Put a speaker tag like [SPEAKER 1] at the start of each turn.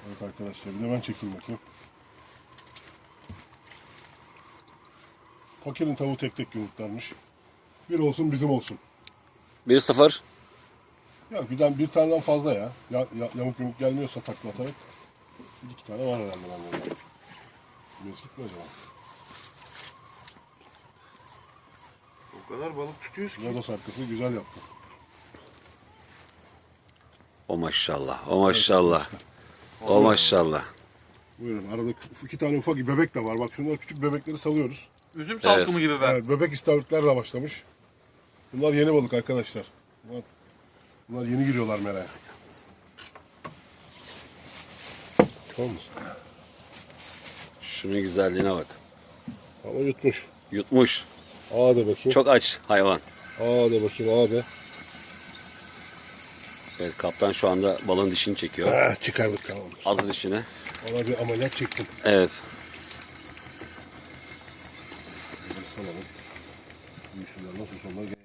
[SPEAKER 1] Evet arkadaşlar, bir de ben çekeyim bakayım. Fakir'in tavuğu tek tek yumurtlarmış. Bir olsun bizim olsun.
[SPEAKER 2] 1-0.
[SPEAKER 1] Ya bir taneden fazla ya. Yamuk yumuk gelmiyorsa takla atarak. Bir iki tane var herhalde bende. Mezgit mi acaba?
[SPEAKER 3] O kadar balık tutuyoruz ki.
[SPEAKER 1] Lodos arkası güzel yaptı.
[SPEAKER 2] O maşallah. O maşallah. O maşallah.
[SPEAKER 1] Buyurun, arada iki tane ufak bebek de var. Bak şunlar küçük bebekleri salıyoruz.
[SPEAKER 3] Üzüm salkımı gibi be.
[SPEAKER 1] Evet, bebek istavritlerle başlamış. Bunlar yeni balık arkadaşlar. Bunlar yeni giriyorlar meraya. Tamam mı?
[SPEAKER 2] Şunun güzelliğine bak.
[SPEAKER 1] Ama yutmuş.
[SPEAKER 2] Yutmuş.
[SPEAKER 1] Ağa da bakayım.
[SPEAKER 2] Çok aç hayvan.
[SPEAKER 1] Ağa da bakayım, ağa da.
[SPEAKER 2] Evet, kaptan şu anda balığın dişini çekiyor.
[SPEAKER 1] Çıkardık, tamam.
[SPEAKER 2] Az dişini.
[SPEAKER 1] Ona bir ameliyat çektim.
[SPEAKER 2] Evet.
[SPEAKER 1] Salalım. Büyüsünler nasıl sonlar